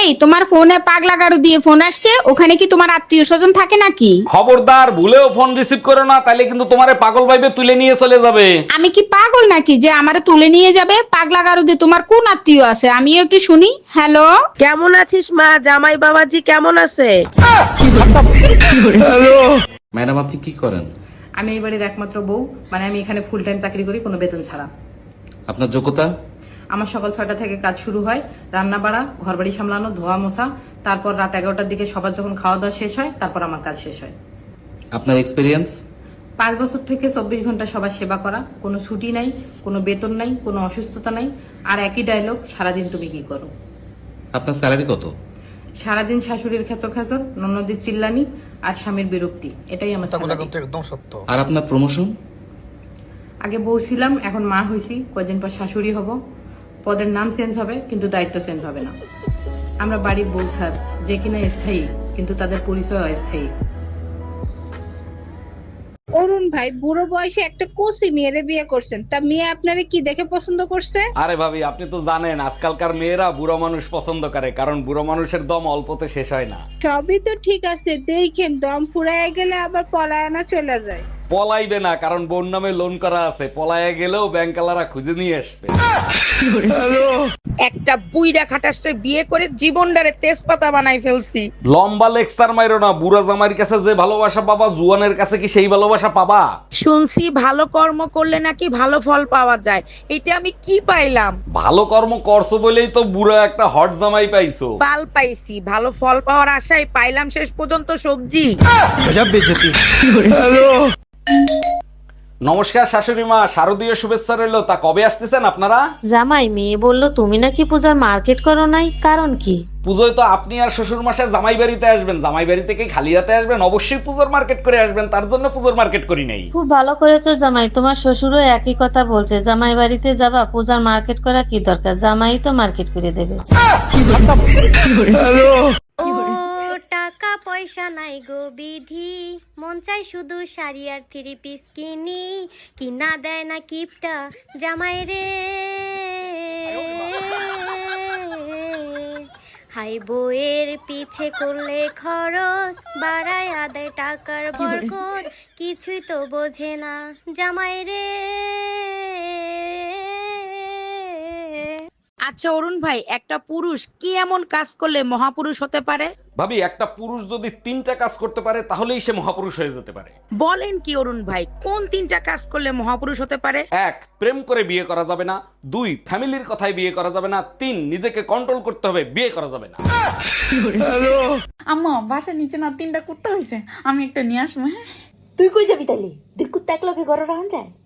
এই তোমার ফোনে পাগলা গাড়ু দিয়ে ফোন আসছে, ওখানে কি তোমার আত্মীয় স্বজন থাকে নাকি? খবরদার, ভুলেও ফোন রিসিভ করো না, তাইলে কিন্তু তোমারে পাগল ভাইবে তুলে নিয়ে চলে যাবে। আমি কি পাগল নাকি যে আমারে তুলে নিয়ে যাবে? পাগলা গাড়ু দিয়ে তোমার কোন আত্মীয় আছে আমিও একটু শুনি। হ্যালো, কেমন আছিস মা? জামাই বাবাজি কেমন আছে? ম্যাডাম, আপনি কি করেন? আমি এই বাড়ির একমাত্র বউ, মানে আমি এখানে ফুল টাইম চাকরি করি, কোনো বেতন ছাড়া। আপনার যোগ্যতা? আমার সকাল 6টা থেকে কাজ শুরু হয়, রান্না বাড়া, ঘর বাড়ি সামলানো, ধোয়া মোছা, তারপর রাত 11টার দিকে সবার যখন খাওয়া দাওয়া শেষ হয় তারপর আমার কাজ শেষ হয়। আপনার এক্সপিরিয়েন্স? 5 বছর থেকে 24 ঘন্টা সবার সেবা করা, কোনো ছুটি নাই, কোনো বেতন নাই, কোনো অসুস্থতা নাই, আর একই ডায়লগ, সারাদিন তুমি কি করো। আপনার স্যালারি কত? সারাদিন শাশুড়ির খেচর খেচর, ননদের চিল্লানি আর স্বামীর বিরক্তি, এটাই আমার salary। একদম সত্য। আর আপনার প্রমোশন? আগে বউ ছিলাম, এখন মা হয়েছি, কয়দিন পর শাশুড়ি হব। পদের নাম চেঞ্জ হবে কিন্তু দায়িত্ব চেঞ্জ হবে না। আমরা বাড়ির বউ স্যার, যে কিনা স্থায়ী কিন্তু তাদের পরিচয় অস্থায়ী। অরুণ ভাই বুড়ো বয়সে একটা কোসি মেয়েরে বিয়ে করছেন, তা মেয়ে আপনারে কি দেখে পছন্দ করছে? আরে ভাবি, আপনি তো জানেন আজকালকার মেয়েরা বুড়ো মানুষ পছন্দ করে, কারণ বুড়ো মানুষের দম অল্পতে শেষ হয় না। সবই তো ঠিক আছে, দেখেন দম ফুরায় গেলে আবার পলায়না চলে যায়। পলাইবে না, কারণ বোন নামে লোন করা আছে, পলায়ে গেলেও ব্যাংকালারা খুঁজে নিয়ে আসবে। একটা বুইড়া খাটাসে বিয়ে করে জীবনটারে তেজপাতা বানাই ফেলছি। লম্বা লেকচার মাইরো না, বুড়া জামাইয়ের কাছে যে ভালোবাসা পাবা জুয়ানের কাছে কি সেই ভালোবাসা পাবা? শুনছি ভালো কর্ম করলে নাকি ভালো ফল পাওয়া যায়, এটা আমি কি পাইলাম? ভালো কর্ম করছো বলেই তো বুড়া একটা হট জামাই পাইছো। পাল পাইছি, ভালো ফল পাওয়ার আশায় পাইলাম শেষ পর্যন্ত সবজি। নমস্কার শাশুড়ি মা, শারদীয় শুভেচ্ছা রইলো। তা কবে আসতেছেন আপনারা? জামাই, মেয়ে বললো তুমি নাকি পূজার মার্কেট করো নাই, কারণ কি? পুজোয় তো আপনি আর শ্বশুর মাসে জামাই বাড়িতে আসবেন, জামাই বাড়ি থেকে খালি হাতে আসবেন, অবশ্যই পুজোর মার্কেট করে আসবেন, তার জন্য পুজোর মার্কেট করি নাই। খুব ভালো করেছো জামাই, তোমার শ্বশুরও একই কথা বলছে, জামাই বাড়িতে যাবা, পূজার মার্কেট করা কি দরকার, জামাই তো মার্কেট করে দেবে। ও টাকা পয়সা নাই গো বিধি, মন চাই শুধু শাড়ি আর 3 পিস কিনি, কিনা দেয় না কিপটা জামাই রে। হাই বইয়ের পিছে করলে খরচ, বাড়ায় আদায় টাকার বরকত, কিছুই তো বোঝে না জামাই রে। আচ্ছা অরুণ ভাই, একটা পুরুষ কি এমন কাজ করলে মহাপুরুষ হতে পারে? ভাবি, একটা পুরুষ যদি 3টা কাজ করতে পারে তাহলেই সে মহাপুরুষ হয়ে যেতে পারে। বলেন কি অরুণ ভাই, কোন 3টা কাজ করলে মহাপুরুষ হতে পারে? 1, প্রেম করে বিয়ে করা যাবে না। 2, ফ্যামিলির কথায় বিয়ে করা যাবে না। 3, নিজেকে কন্ট্রোল করতে হবে, বিয়ে করা যাবে না। আম্মা, বাসার নিচে না 3টা কুত্তা হয়েছে, আমি একটা নিয়ে আসবো। হ্যাঁ, তুই কই যাবি তাইলে? তুই কুত্তা একলগে ঘরে রাখা যায়?